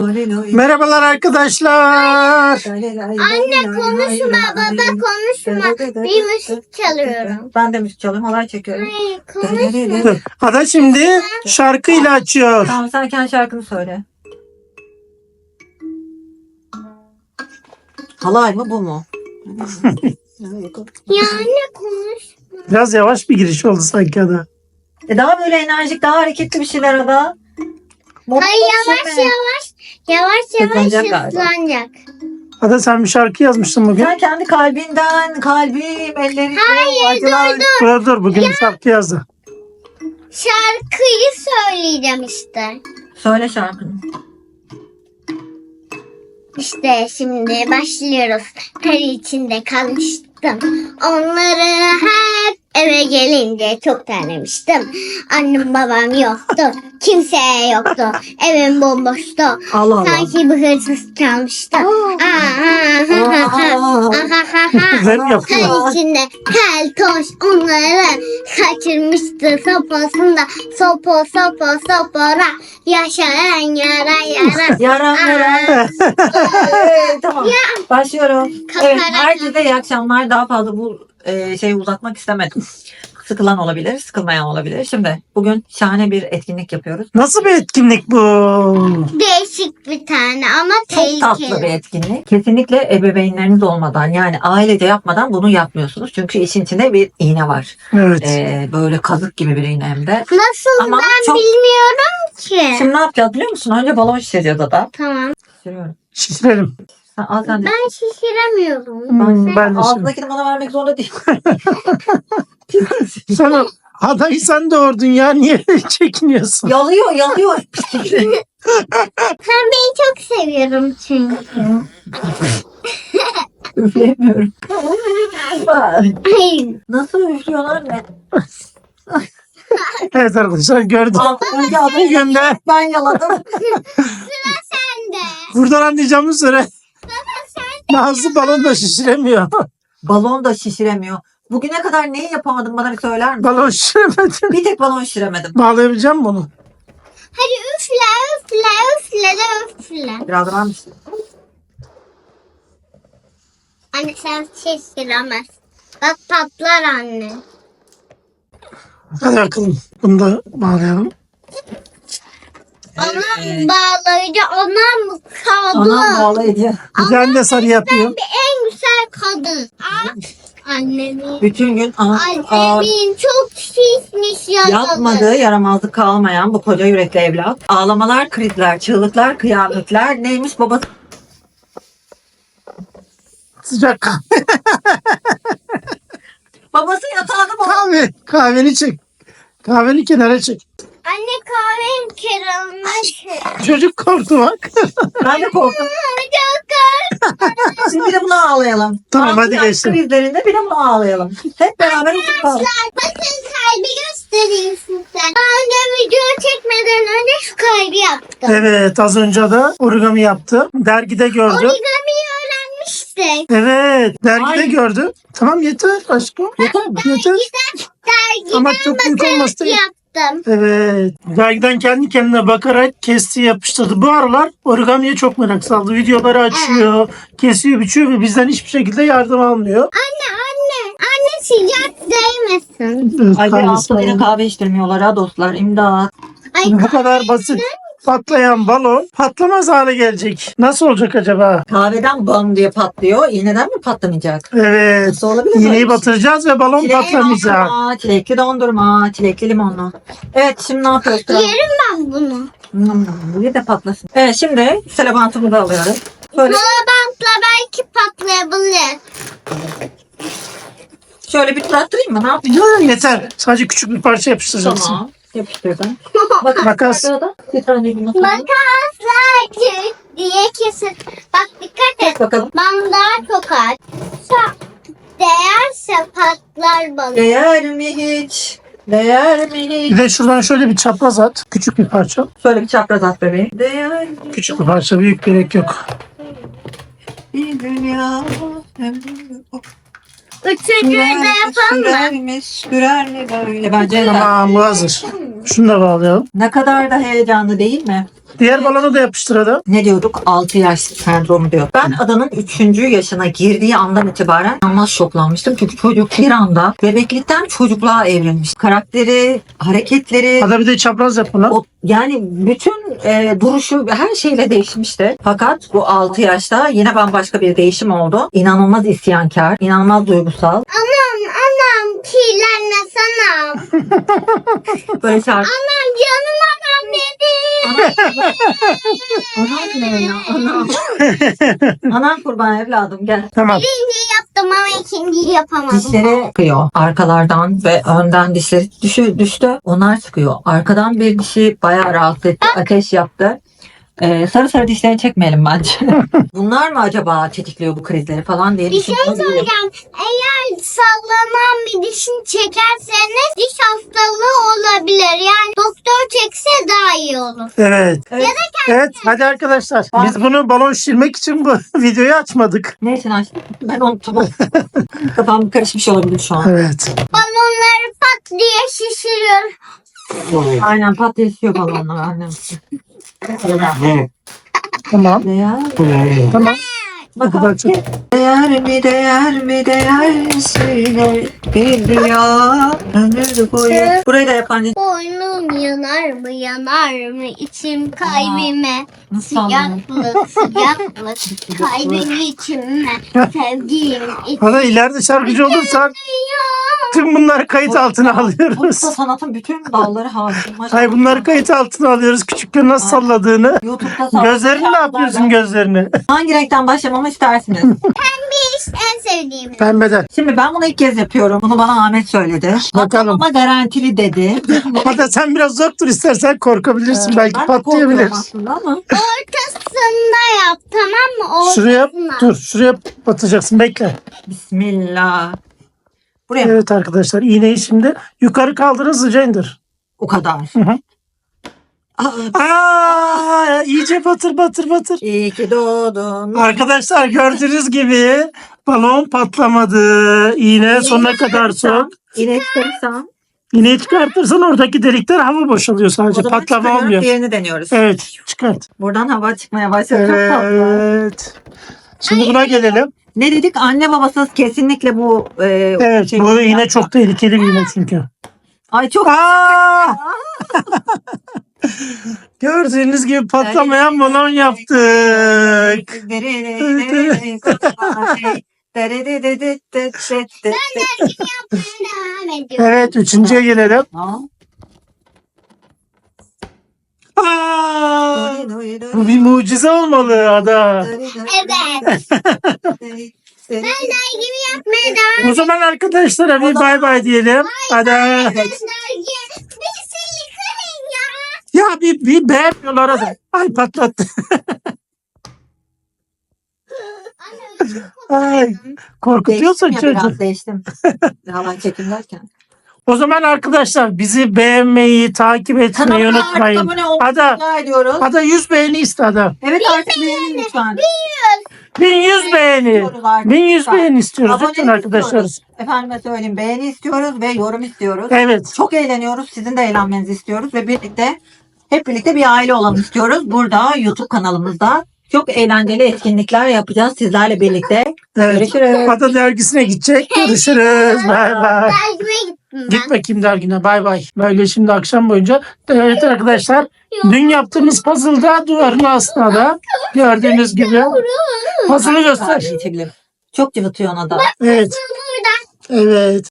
Merhabalar arkadaşlar. Anne konuşma, baba konuşma. Bir müzik çalıyorum. Ben de müzik çalıyorum, halay çekiyorum. Hayır konuşma. Ada şimdi şarkıyla açıyor. Tamam, sen kendi şarkını söyle. Halay mı bu mu? Ya anne konuşma. Biraz yavaş bir giriş oldu sanki Ada. Daha böyle enerjik, daha hareketli bir şeyler Ada. Hayır yavaş Hızlanacak galiba. hızlanacak. Ada sen bir şarkı yazmıştın bugün. Sen kendi kalbinden, kalbim, ellerim, acılar. Dur bugün bir şarkı yazdı. Şarkıyı söyleyeceğim işte. Söyle şarkını. İşte şimdi başlıyoruz. Her içinde kalmıştım. Onları hep eve gelince çok terlemiştim. Annem babam yoktu. Kimse yoktu. Evim bomboştu. Allah Allah. Sanki bir hırsız çalmıştı. Güzel yapıyor. Her içinde keltoş onları kaçırmıştı sopasında. Sopora yaşayan yara. Yara. Tamam. Başlıyorum. Evet, Kafana- herkese iyi akşamlar. Daha fazla bu şeyi uzatmak istemedim. Sıkılan olabilir, sıkılmayan olabilir. Şimdi bugün şahane bir etkinlik yapıyoruz. Nasıl bir etkinlik bu? Değişik bir tane ama Çok tatlı bir tehlikeli. etkinlik. Kesinlikle ebeveynleriniz olmadan, yani ailece yapmadan bunu yapmıyorsunuz. Çünkü işin içinde bir iğne var. Evet. Böyle kazık gibi bir iğne hem de. Nasıl Ama ben çok- bilmiyorum ki. Şimdi ne yapacağız biliyor musun? Önce balon şişireceğiz Ada. Tamam. Şişiriyorum. Şişirelim. Al sen de. Ben şişiremiyorum. Ben de şimdi. Ağzındakini bana vermek zorunda değil. Sen Ada'yı sen doğurdun ya. Niye çekiniyorsun? Yalıyor. Sen beni çok seviyorum çünkü. Üfleyemiyorum. Hayır. Nasıl üflüyorlar anne? Evet arkadaşlar gördüm. Önce adayı Gönder. ben yaladım. Sen de. Buradan anlayacağımız üzere Nazlı balon da şişiremiyor. Balon da şişiremiyor. Bugüne kadar neyi yapamadım bana bir söyler misin? Balon şişiremedin. Bir tek balon şişiremedim. Bağlayabilecek misin bunu? Hadi üfle. Biraz var mısın? Anne sen şişiremez. Bak patlar anne. Hadi bakalım. Bunu da bağlayalım. Ona bağlayıcı ona mı kadın? Anam bağlayıcı. Güzel de sarı yapıyor. En güzel kadın. Annemin. Bütün gün Annemin çok şişmiş yaralı. yapmadığı yaramazlık kalmayan bu koca yürekli evlat. Ağlamalar, krizler, çığlıklar, kıyametler. Neymiş babası? Sıcak Babası yatağını kahveni çek. Kahveni kenara çek. Anne kahvem kırılmış. Çocuk korktu bak. Ben de korktum. Çok Şimdi bir de bunu ağlayalım. Tamam, hadi Ağlayan geçsin. krizlerinde bir de bunu ağlayalım. Hep beraber oturup ağlayalım. Bakın kalbi göstereyim size. Daha önce video çekmeden önce şu kalbi yaptım. Evet az önce de origami yaptı. Dergide gördü. Origamiyi öğrenmiştik. Evet dergide Ay. gördü. Tamam yeter aşkım. Yeter mi? Yeter. Dergiden Ama çok büyük olmasın. yaptım. Evet. Dergiden kendi kendine bakarak kesti yapıştırdı. Bu aralar origamiye çok merak saldı. Videoları açıyor, kesiyor, biçiyor ve bizden hiçbir şekilde yardım almıyor. Anne sıcak değmesin. Evet, Ay bir kahvesi hafta yine var. kahve içtirmiyorlar ha dostlar. İmdat. Ay Bu kadar basit. Patlayan balon patlamaz hale gelecek. Nasıl olacak acaba? Kahveden bam diye patlıyor. İğneden mi patlamayacak? Evet. Nasıl olabilir böyle İğneyi bir şey? batıracağız ve balon Çilekli patlamayacak. dondurma, çilekli dondurma, çilekli limonlu. Evet şimdi ne yapıyoruz? yerim ben bunu. Bir de patlasın. Evet şimdi selebantımızı alıyoruz. Şöyle, Bantla belki patlayabilir. şöyle bir tutattırayım mı? Ne yapayım? Ya, yeter. Sadece küçük bir parça yapıştıracaksın. Tamam. Yapıştırdım. Bakın Makas. sırada bir tane yumurta. Makasla çık diye kesin. Bak dikkat et. Bakalım. Bandar tokat. Değerse patlar balık. Değer mi hiç? Değer mi hiç? Bir de şuradan şöyle bir çapraz at. Küçük bir parça. Şöyle bir çapraz at bebeğim. Değer mi Küçük bir parça. Büyük gerek yok. bir dünya? Üçüncüyü de yapalım mı? Sürer mi böyle? Bence Tamam bu hazır. Şunu da bağlayalım. ne kadar da heyecanlı değil mi? Diğer balonu da yapıştır Ada. Ne diyorduk? 6 yaş sendromu diyor. Ben Adan'ın 3. yaşına girdiği andan itibaren inanılmaz şoklanmıştım. Çünkü çocuk bir anda bebeklikten çocukluğa evrilmiş. Karakteri, hareketleri, Ada bir de çapraz yap bunu. yani bütün duruşu her şeyle değişmişti. Fakat bu 6 yaşta yine bambaşka bir değişim oldu. İnanılmaz isyankar, inanılmaz duygusal. Anam kirlenmesene. Böyle şarkı. Anam canım anam dedi. Anam ne ya? Anam. Anam kurban evladım gel. Tamam. Birinciyi yaptım ama ikinciyi yapamadım. Dişleri çıkıyor. Arkalardan ve önden dişleri düştü. Onlar çıkıyor. Arkadan bir dişi bayağı rahatsız etti. Ateş yaptı. Sarı sarı dişlerini çekmeyelim bence. Bunlar mı acaba tetikliyor bu krizleri falan diye Bir şey düşünüyorum. söyleyeceğim. Eğer sallanan bir dişini çekerseniz diş hastalığı olabilir. Yani doktor çekse daha iyi olur. Evet. Evet. Evet hadi arkadaşlar. Biz bunu balon şişirmek için bu videoyu açmadık. Ne için açtım? Ben unuttum. Kafam karışmış olabilir şu an. Evet. Balonları pat diye şişiriyor. Aynen patlıyor balonlar annem. Tamam. Ne ya? Tamam. Bu kadar Bakalım. çok. Değer mi değersine bir rüya ömür boyu. Burayı da yapan Boynum yanar mı yanar mı içim kalbime. nasıl anladın? Sıcaklık sıcaklık kalbim içime. Sevdiğim Ada ileride şarkıcı olursan tüm bunları kayıt altına Burada alıyoruz. sanatın bütün dalları hakim. Hayır bunları kayıt altına alıyoruz. Küçükken nasıl salladığını. YouTube'da sanat Gözlerini ne yapıyorsun gözlerini? Hangi renkten başlamamı istersiniz? iş en sevdiğim. Pembeden. Şimdi ben bunu ilk kez yapıyorum. Bunu bana Ahmet söyledi. Bakalım. Ama garantili dedi. Hatta sen biraz uzak dur istersen korkabilirsin. Belki Ben de patlayabilir. korkuyorum aslında ama. Ortasında yap tamam mı? Şuraya Ortasına. dur. Şuraya batacaksın. Bekle. Bismillah. Buraya mı? Evet arkadaşlar iğneyi şimdi yukarı kaldır hızlıca indir. O kadar. hı. Aa, Aa, iyice batır batır batır. İyi ki doğdun. Arkadaşlar gördüğünüz gibi balon patlamadı. İğne sonuna kadar sok. İğne çıkarırsam. İğneyi çıkartırsan oradaki delikten hava boşalıyor O sadece. zaman Patlama çıkarıyorum, olmuyor. diğerini deniyoruz. Evet çıkart. Buradan hava çıkmaya başladı. Çok tatlı. Evet. Şimdi buna gelelim. Ne dedik? Anne babasız kesinlikle bu Evet şey- bu iğne çok tehlikeli bir iğne çünkü. Ay çok Aa! Gördüğünüz gibi patlamayan balon yaptık. Devam ediyorum. Evet üçüncüye gelelim. Aa! Bu bir mucize olmalı Ada. Evet. Ben dergimi yapmaya devam O zaman arkadaşlara bir bay bay diyelim. Ada. dergi. Bir seni kırın ya. Ya bir beğenmiyorlar Ada. Ay patlattı. Ay korkutuyorsun Değiştim ya, çocuğu. biraz değiştim. Hava çekim derken. O zaman arkadaşlar bizi beğenmeyi, takip etmeyi unutmayın. Abone olmayı Ada, rica ediyoruz. Ada 100 beğeni iste Ada. Evet artık beğenin lütfen. 1100 beğeni. İstiyoruz artık. 1100 Lütfen. beğeni istiyoruz Abonelik lütfen arkadaşlar. istiyoruz. Efendime söyleyeyim beğeni istiyoruz ve yorum istiyoruz. Evet. Çok eğleniyoruz. Sizin de eğlenmenizi istiyoruz ve hep birlikte bir aile olalım istiyoruz. Burada YouTube kanalımızda çok eğlenceli etkinlikler yapacağız sizlerle birlikte. Evet. Görüşürüz. Ada dergisine gidecek. Görüşürüz. Bay bay. Dergime gittim ben. Git bakayım dergine. Bay bay. Böyle şimdi akşam boyunca. Evet arkadaşlar. Dün yaptığımız puzzle'da duvarın aslında da gördüğünüz gibi. Puzzle'ı göster. Çok cıvıtıyor ona da. Evet. Burada. Evet.